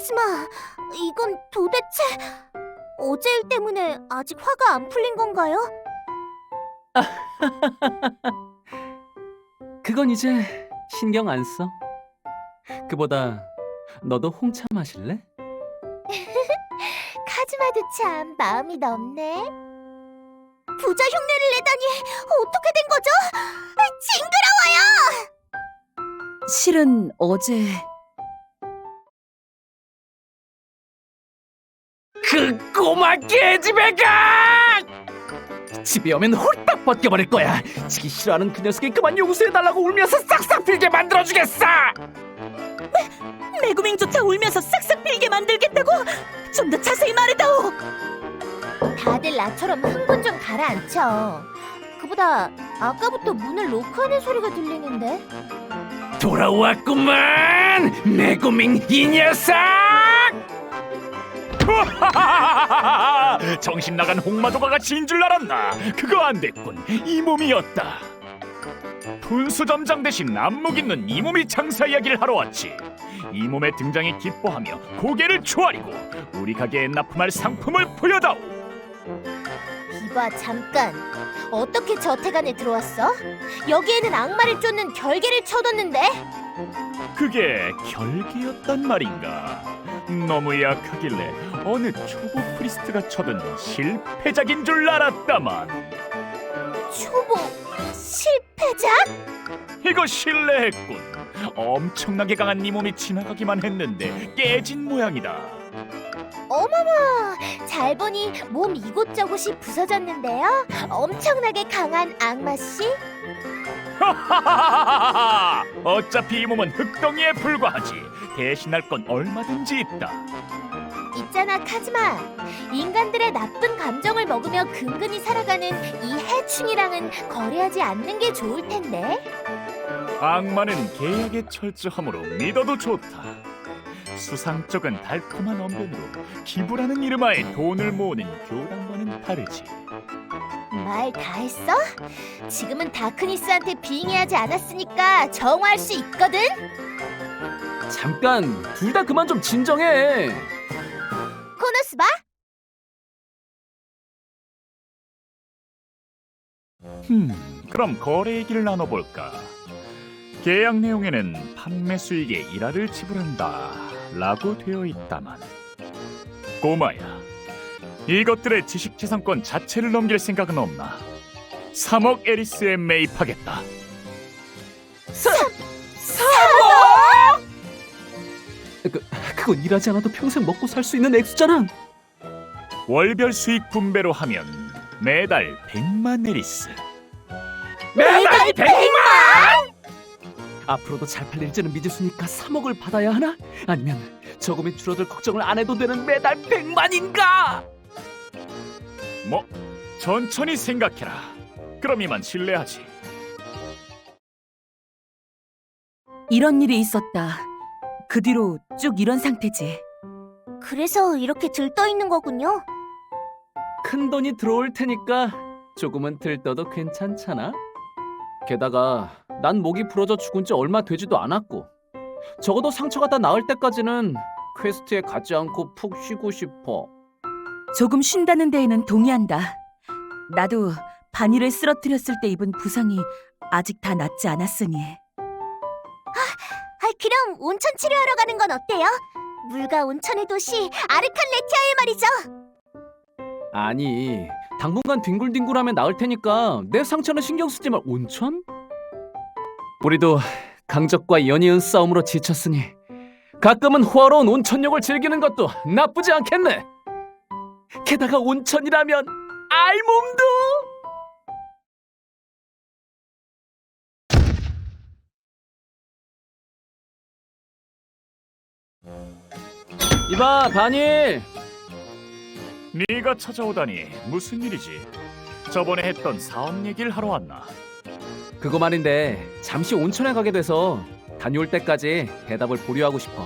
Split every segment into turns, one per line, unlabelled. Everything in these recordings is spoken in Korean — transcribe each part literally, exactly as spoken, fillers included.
카즈마, 이건 도대체 어제 일 때문에 아직 화가 안 풀린 건가요?
그건 이제 신경 안 써. 그보다 너도 홍차 마실래?
카즈마도 참 마음이 넓네. 부자 흉내를 내다니 어떻게 된 거죠? 징그러워요!
실은 어제
그 꼬마 깨지배가! 집에 오면 홀딱 벗겨버릴 거야. 지기 싫어하는 그 녀석이 그만 용서해달라고 울면서 싹싹 빌게 만들어주겠어!
메구밍조차 울면서 싹싹 빌게 만들겠다고? 좀 더 자세히 말해다오.
다들 나처럼 흥분 좀 가라앉혀. 그보다 아까부터 문을 로크하는 소리가 들리는데.
돌아왔구만! 메구밍 이 녀석!
정신 나간 홍마도가가 진 줄 알았나? 그거 안 됐군. 이 몸이었다. 분수점장 대신 안목 있는 이 몸이 장사 이야기를 하러 왔지. 이 몸의 등장에 기뻐하며 고개를 조아리고 우리 가게에 납품할 상품을 보여다오.
이봐 잠깐. 어떻게 저택 안에 들어왔어? 여기에는 악마를 쫓는 결계를 쳐뒀는데.
그게 결계였단 말인가? 너무 약하길래 어느 초보 프리스트가 쳐든 실패작인 줄 알았다만.
초보 실패작?
이거 실례했군. 엄청나게 강한 네 몸이 지나가기만 했는데 깨진 모양이다.
어머머, 잘 보니 몸 이곳저곳이 부서졌는데요. 엄청나게 강한 악마씨?
하하하하하! 어차피 이 몸은 흙덩이에 불과하지. 대신할 건 얼마든지 있다.
있잖아 카즈마. 인간들의 나쁜 감정을 먹으며 근근히 살아가는 이 해충이랑은 거래하지 않는 게 좋을 텐데.
악마는 계약에 철저하므로 믿어도 좋다. 수상 쪽은 달콤한 언변으로 기부라는 이름하에 돈을 모으는 교단과는 다르지.
말 다 했어? 지금은 다크니스한테 빙의하지 않았으니까 정화할 수 있거든?
잠깐, 둘 다 그만 좀 진정해.
코노스바?
음, 그럼 거래 얘기를 나눠볼까? 계약 내용에는 판매 수익의 일화를 지불한다 라고 되어 있다만, 꼬마야, 이것들의 지식재산권 자체를 넘길 생각은 없나? 삼억 에리스에 매입하겠다.
그, 그건 일하지 않아도 평생 먹고 살 수 있는 액수잖아.
월별 수익 분배로 하면 매달 백만 에리스.
매달 백만! 앞으로도 잘 팔릴지는 미지수니까 삼억을 받아야 하나? 아니면 저금이 줄어들 걱정을 안 해도 되는 매달 백만인가?
뭐, 천천히 생각해라. 그럼 이만 실례하지.
이런 일이 있었다. 그 뒤로 쭉 이런 상태지.
그래서 이렇게 들떠 있는 거군요.
큰 돈이 들어올 테니까 조금은 들떠도 괜찮잖아. 게다가 난 목이 부러져 죽은 지 얼마 되지도 않았고, 적어도 상처가 다 나을 때까지는 퀘스트에 가지 않고 푹 쉬고 싶어.
조금 쉰다는 데에는 동의한다. 나도 바니를 쓰러뜨렸을 때 입은 부상이 아직 다 낫지 않았으니.
아, 그럼 온천 치료하러 가는 건 어때요? 물과 온천의 도시 아르칸레티아에 말이죠.
아니, 당분간 뒹굴뒹굴하면 나을 테니까 내 상처는 신경 쓰지 말. 온천? 우리도 강적과 연이은 싸움으로 지쳤으니 가끔은 호화로운 온천욕을 즐기는 것도 나쁘지 않겠네. 게다가 온천이라면 알몸도. 이봐 바닐.
네가 찾아오다니 무슨 일이지? 저번에 했던 사업 얘기를 하러 왔나?
그거 말인데 잠시 온천에 가게 돼서 다녀올 때까지 대답을 보류하고 싶어.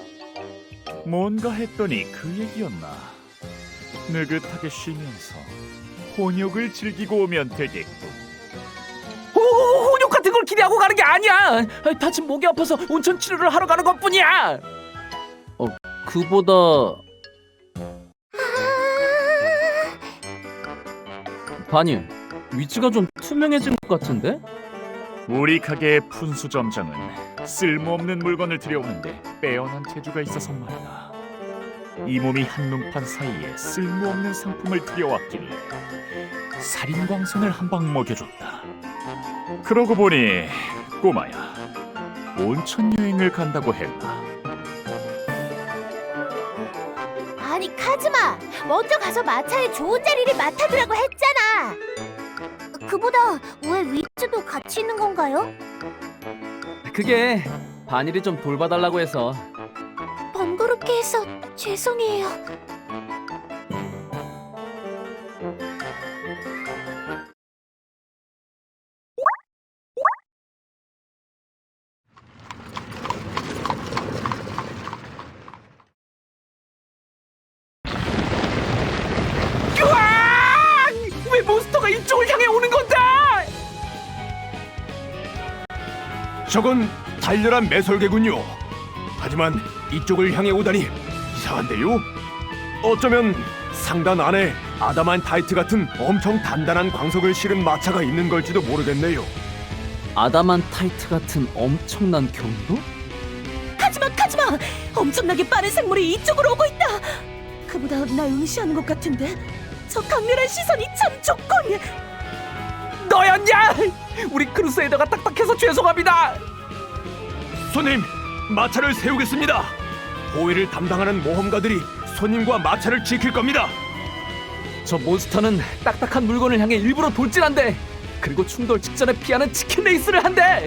뭔가 했더니 그 얘기였나? 느긋하게 쉬면서 혼욕을 즐기고 오면 되겠군.
호, 혼욕 같은 걸 기대하고 가는 게 아니야. 다친 목이 아파서 온천 치료를 하러 가는 것뿐이야. 어, 그보다 바니, 위치가 좀 투명해진 것 같은데?
우리 가게의 푼수 점장은 쓸모없는 물건을 들여오는데 빼어난 재주가 있어서 말이다. 이 몸이 한눈판 사이에 쓸모없는 상품을 들여왔길래 살인광선을 한 방 먹여줬다. 그러고 보니 꼬마야, 온천 여행을 간다고 했나?
아니 카즈마, 먼저 가서 마차의 좋은 자리를 맡아두라고 했잖아. 그보다 왜 위즈도 같이 있는 건가요?
그게 바니를 좀 돌봐달라고 해서.
번거롭게 해서 죄송해요.
으악! 왜 몬스터가 이쪽을 향해 오는 건데?
저건 달렬한 매설개군요. 하지만 이쪽을 향해 오다니 이상한데요? 어쩌면 상단 안에 아담한타이트 같은 엄청 단단한 광석을 실은 마차가 있는 걸지도 모르겠네요.
아담한타이트 같은 엄청난 경도?
하지마, 하지마! 엄청나게 빠른 생물이 이쪽으로 오고 있다. 그보다 나 응시하는 것 같은데 저 강렬한 시선이 참 좋군.
너였냐? 우리 크루세이더가 딱딱해서 죄송합니다.
손님, 마차를 세우겠습니다. 호위를 담당하는 모험가들이 손님과 마차를 지킬 겁니다.
저 몬스터는 딱딱한 물건을 향해 일부러 돌진한대. 그리고 충돌 직전에 피하는 치킨 레이스를 한대.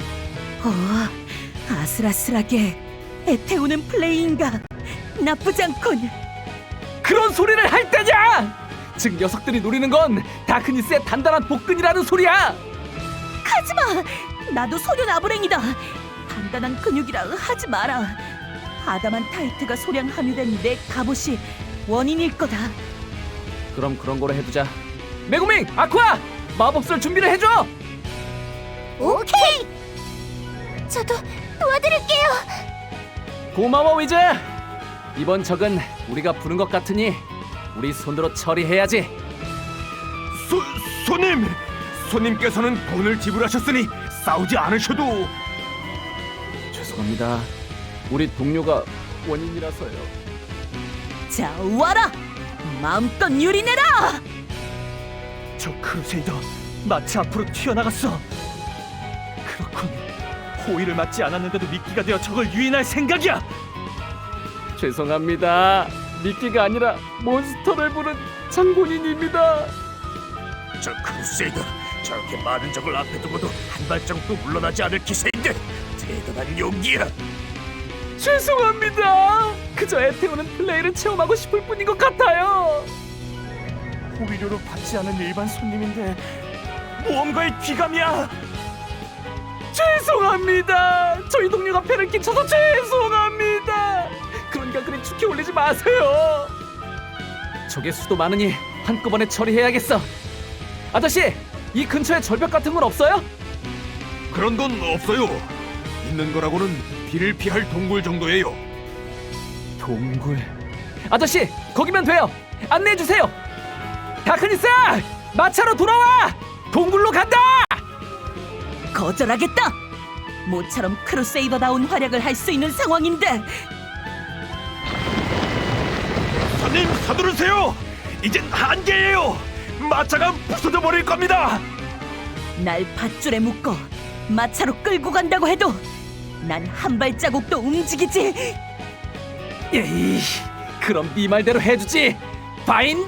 어, 아슬아슬하게 애태우는 플레이인가. 나쁘지 않군.
그런 소리를 할 때냐? 즉 녀석들이 노리는 건 다크니스의 단단한 복근이라는 소리야.
하지마! 나도 소련 아브랭이다. 단단한 근육이라 하지 마라. 아담한타이트가 소량 함유된 내 갑옷이 원인일 거다.
그럼 그런 거로 해두자. 메구밍, 아쿠아, 마법 쓸 준비를 해줘.
오케이. 저도 도와드릴게요.
고마워 위즈. 이번 적은 우리가 부른 것 같으니 우리 손으로 처리해야지.
소, 손님! 손님께서는 돈을 지불하셨으니 싸우지 않으셔도.
죄송합니다. 우리 동료가 원인이라서요.
자, 와라! 마음껏 유리내라!
저 크루세이더 마차 앞으로 튀어나갔어. 그렇군. 호위를 맞지 않았는데도 미끼가 되어 적을 유인할 생각이야.
죄송합니다. 미끼가 아니라 몬스터를 부른 장본인입니다.
저 크루세이더 저렇게 많은 적을 앞에 두고도 한 발자국도 물러나지 않을 기세인데 대단한 용기야.
죄송합니다. 그저 애태우는 플레이를 체험하고 싶을 뿐인 것 같아요.
호위료로 받지 않은 일반 손님인데 모험가의 귀감이야.
죄송합니다. 저희 동료가 패를 끼쳐서 죄송합니다. 그러니까 그리 축히 올리지 마세요. 적의 수도 많으니 한꺼번에 처리해야겠어. 아저씨, 이 근처에 절벽 같은 건 없어요?
그런 건 없어요. 있는 거라고는 비를 피할 동굴 정도예요.
동굴. 아저씨, 거기면 돼요. 안내해 주세요. 다크니스, 마차로 돌아와. 동굴로 간다.
거절하겠다. 모처럼 크루세이더다운 활약을 할 수 있는 상황인데.
손님 서두르세요. 이젠 한계예요. 마차가 부서져 버릴 겁니다.
날 밧줄에 묶어 마차로 끌고 간다고 해도 난 한 발자국도 움직이지.
에이, 그럼 네 말대로 해주지. 바인다.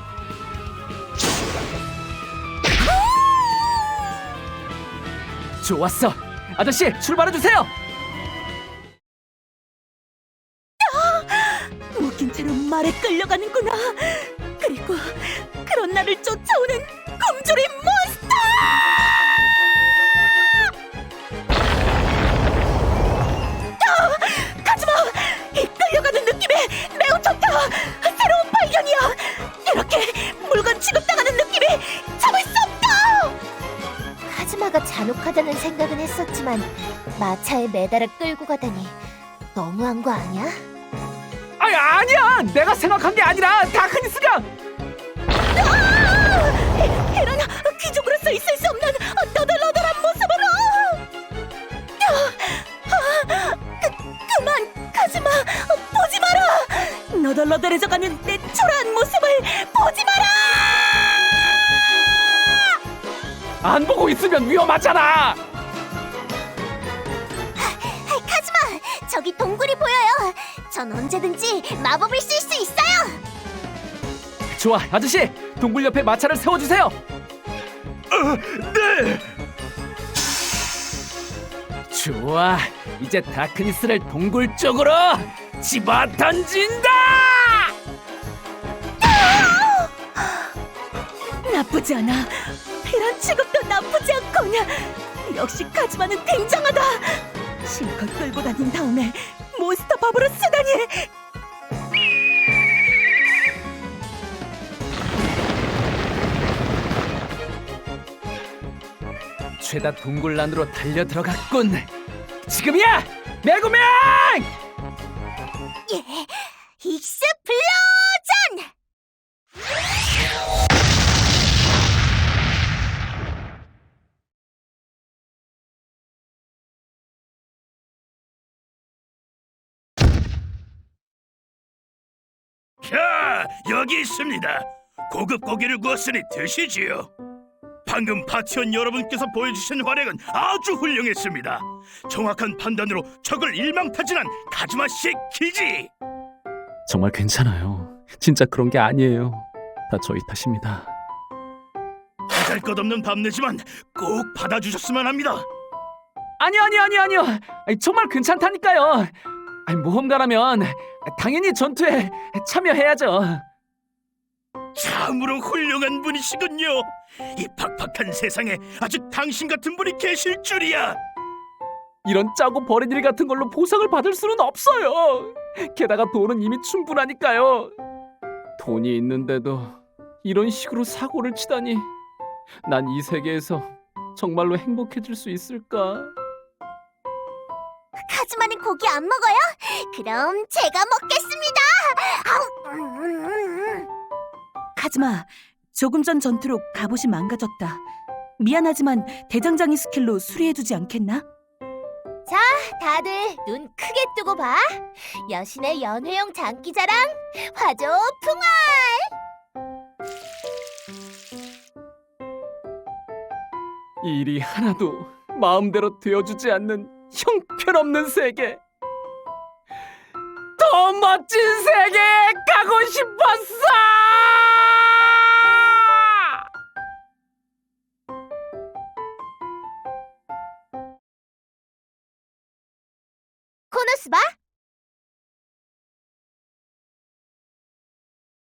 좋았어. 아저씨, 출발해 주세요.
묶인 채로 말에 끌려가는구나. 그리고 그런 나를 쫓아오는 곰돌이 몬스터! 아! 가지마! 이 끌려가는 느낌이 매우 좋다. 새로운 발견이야. 이렇게 물건 취급당하는 느낌이 참을 수 없다.
카즈마가 잔혹하다는 생각은 했었지만 마차에 매달아 끌고 가다니 너무한 거 아니야?
아니 아니야. 내가 생각한 게 아니라 다크니스가.
헤란, 귀족으로서 있을 수 없는 너덜너덜한 모습으로! 아, 그, 그만, 가지마! 보지 마라! 너덜너덜해져가는 내 초라한 모습을 보지 마라!
안 보고 있으면 위험하잖아.
카즈마, 저기 동굴이 보여요. 전 언제든지 마법을 쓸 수 있어요.
좋아, 아저씨. 동굴 옆에 마차를 세워주세요.
네.
좋아, 이제 다크니스를 동굴 쪽으로 집어 던진다.
나쁘지 않아. 이런 취급도 나쁘지 않거냐. 역시 카즈마는 굉장하다. 실컷 끌고 다닌 다음에 몬스터 밥으로 쓰다니.
죄다 동굴 안으로 달려 들어갔군. 지금이야, 메구맹!
예, 익스플로전!
자, 여기 있습니다. 고급 고기를 구웠으니 드시지요. 방금 파티원 여러분께서 보여주신 활약은 아주 훌륭했습니다. 정확한 판단으로 적을 일망타진한 카즈마 씨의 기지.
정말 괜찮아요. 진짜 그런 게 아니에요. 다 저희 탓입니다.
보잘것없는 밤내지만 꼭 받아주셨으면 합니다.
아니요, 아니요, 아니요, 아니요. 아니, 정말 괜찮다니까요. 아니, 모험가라면 당연히 전투에 참여해야죠.
참으로 훌륭한 분이시군요. 이 팍팍한 세상에 아직 당신 같은 분이 계실 줄이야.
이런 짜고 버린 일 같은 걸로 보상을 받을 수는 없어요. 게다가 돈은 이미 충분하니까요. 돈이 있는데도 이런 식으로 사고를 치다니. 난 이 세계에서 정말로 행복해질 수 있을까?
카즈마는 고기 안 먹어요? 그럼 제가 먹겠습니다. 아우, 음, 음, 음.
카즈마, 조금 전 전투로 갑옷이 망가졌다. 미안하지만 대장장이 스킬로 수리해주지 않겠나?
자, 다들 눈 크게 뜨고 봐. 여신의 연회용 장기자랑 화조 풍화.
이 일이 하나도 마음대로 되어주지 않는 형편없는 세계. 더 멋진 세계에 가고 싶었어!
코노스바